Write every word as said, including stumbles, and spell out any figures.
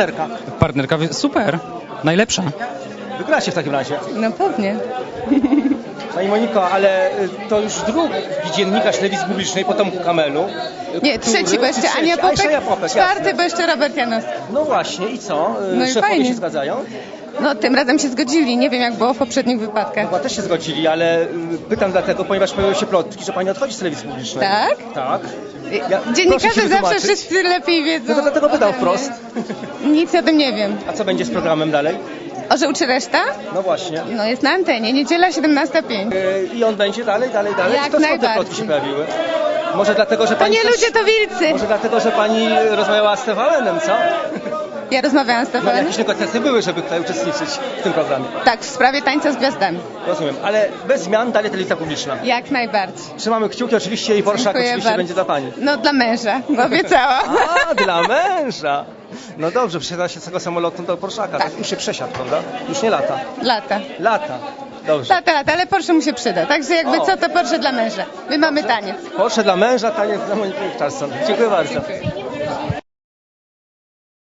partnerka? Partnerka, super, najlepsza. Wygracie w takim razie. No pewnie. Pani Moniko, ale y, to już drugi dziennikarz telewizji publicznej po Tomku Kamelu. Nie, który- trzeci, bo jeszcze trzeci, Ania a, Popek, jeszcze Ania Popek, czwarty, jasne. bo jeszcze Robert Janowski. No właśnie, i co? Y, No i Szefowie fajnie. się zgadzają? No tym razem się zgodzili, nie wiem jak było w poprzednich wypadkach. Chyba też się zgodzili, ale y, pytam dlatego, ponieważ pojawiły się plotki, że pani odchodzi z telewizji publicznej. Tak? Tak. Ja- proszę Dziennikarze się zawsze wytłumaczyć. wszyscy lepiej wiedzą. No to dlatego pytam ode mnie. wprost. Nic o tym nie wiem. A co będzie z programem dalej? Orzeł czy reszta? No właśnie. No jest na antenie, niedziela siedemnasta pięć. Y, I on będzie dalej, dalej, dalej? Jak Czy to skąd te najbardziej. plotki się pojawiły? Może dlatego, że To pani nie też- ludzie, to wilcy. Może dlatego, że pani rozmawiała z T V N-em, co? Ja rozmawiałam z No Stefanem. jakieś negocjacje były, żeby tutaj uczestniczyć w tym programie. Tak, w sprawie tańca z gwiazdami. Rozumiem, ale bez zmian dalej telewizja publiczna. Jak najbardziej. Trzymamy kciuki oczywiście i Porszak Dziękuję oczywiście bardzo. będzie dla pani. No dla męża, bo obiecała. A, dla męża! No dobrze, przesiada się z tego samolotu do Porszaka. Tak. Już się przesiadł, prawda? Już nie lata. Lata. Lata. Dobrze. Lata, lata, ale Porsche mu się przyda. Także jakby O. co, to Porsche dla męża. My mamy taniec. Porsche dla męża, taniec dla Moniki Czarson. Dziękuję bardzo. Dziękuję.